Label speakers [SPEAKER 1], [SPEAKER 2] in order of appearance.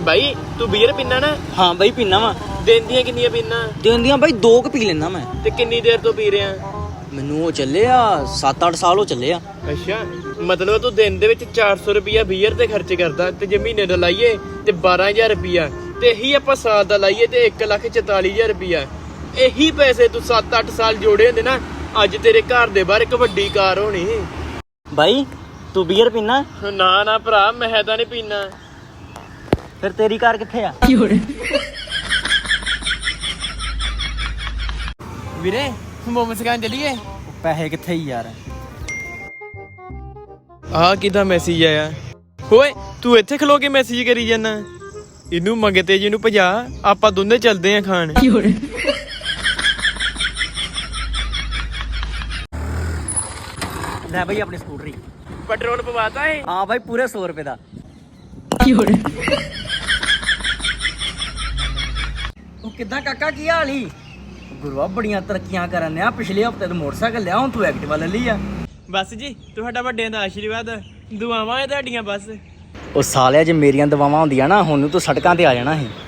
[SPEAKER 1] ਬਾਈ ਤੂੰ ਬੀਅਰ ਪੀਣਾ ਨਾ?
[SPEAKER 2] ਹਾਂ ਬਾਈ ਪੀਣਾ ਵਾ।
[SPEAKER 1] ਦਿਨ ਦੀਆਂ ਕਿੰਨੀਆਂ ਪੀਣਾ?
[SPEAKER 2] ਦਿਨ ਦੀਆਂ ਬਾਈ 2 ਕੁ ਪੀ ਲੈਣਾ ਮੈਂ।
[SPEAKER 1] ਤੇ ਕਿੰਨੀ ਦੇਰ ਤੋਂ ਪੀ ਰਿਹਾ?
[SPEAKER 2] ਮੈਨੂੰ ਉਹ ਚੱਲੇ ਆ 7-8 ਸਾਲ ਹੋ ਚੱਲੇ ਆ।
[SPEAKER 1] ਅੱਛਾ, ਮਤਲਬ ਤੂੰ ਦਿਨ ਦੇ ਵਿੱਚ 400 ਰੁਪਿਆ ਬੀਅਰ ਤੇ ਖਰਚ ਕਰਦਾ, ਤੇ ਜੇ ਮਹੀਨੇ ਦਾ ਲਾਈਏ ਤੇ 12000 ਰੁਪਿਆ, ਤੇ ਇਹੀ ਆਪਾਂ ਸਾਲ ਦਾ ਲਾਈਏ ਤੇ 1,44,000 ਰੁਪਿਆ। ਇਹੀ ਪੈਸੇ ਤੂੰ 7-8 ਸਾਲ ਜੋੜੇ ਹੁੰਦੇ ਨਾ, ਅੱਜ ਤੇਰੇ ਘਰ ਦੇ ਬਾਹਰ ਇੱਕ ਵੱਡੀ ਕਾਰ ਹੋਣੀ।
[SPEAKER 2] ਬਾਈ ਤੂੰ ਬੀਅਰ ਪੀਣਾ?
[SPEAKER 1] ਨਾ ਨਾ ਭਰਾ, ਮੈਂ ਤਾਂ ਨਹੀਂ ਪੀਣਾ।
[SPEAKER 2] ਫਿਰ ਤੇਰੀ ਕਾਰ ਕਿੱਥੇ ਆ?
[SPEAKER 1] ਵੀਰੇ ਮੋਮੋਸ ਖਾਣ ਚੱਲੀਏ?
[SPEAKER 2] ਪੈਸੇ ਕਿੱਥੇ ਹੀ ਯਾਰ?
[SPEAKER 1] ਆਹ ਕਿਹਦਾ ਮੈਸੇਜ ਆਇਆ? ਓਏ ਤੂੰ ਇੱਥੇ ਖਲੋ ਕੇ ਮੈਸੇਜ ਕਰੀ ਜਾਂਦਾ? ਇਹਨੂੰ ਮੰਗਤੇ ਜੀ ਨੂੰ ਭਜਾ, ਆਪਾਂ ਦੋਨੇ ਚੱਲਦੇ ਆਂ ਖਾਣ।
[SPEAKER 2] ਲੈ ਬਾਈ ਆਪਣੀ ਸਕੂਟਰੀ।
[SPEAKER 1] ਪੈਟਰੋਲ ਪਵਾਤਾ ਏ?
[SPEAKER 2] ਹਾਂ ਬਾਈ ਪੂਰੇ 100 ਰੁਪਏ ਦਾ। ਉਹ ਕਿੱਦਾਂ ਕਾਕਾ, ਕੀ ਹਾਲ ਈ? ਗੁਰੂਆ ਬੜੀਆਂ ਤਰੱਕੀਆਂ ਕਰਨ ਆ। ਪਿਛਲੇ ਹਫਤੇ ਤੋਂ ਮੋਟਰਸਾਈਕਲ ਲਿਆ, ਹੁਣ ਤੂੰ ਐਕਟਿਵਾ ਲੈ ਲਈ ਆ।
[SPEAKER 1] ਬਸ ਜੀ, ਤੁਹਾਡਾ ਵੱਡਿਆਂ ਦਾ ਆਸ਼ੀਰਵਾਦ, ਦੁਆਵਾਂ ਹੈ ਤੁਹਾਡੀਆਂ ਬਸ।
[SPEAKER 2] ਉਹ ਸਾਲਿਆ ਜੇ ਮੇਰੀਆਂ ਦਵਾਵਾਂ ਹੁੰਦੀਆਂ ਨਾ, ਹੁਣ ਨੂੰ ਤੂੰ ਸੜਕਾਂ ਤੇ ਆ ਜਾਣਾ ਸੀ।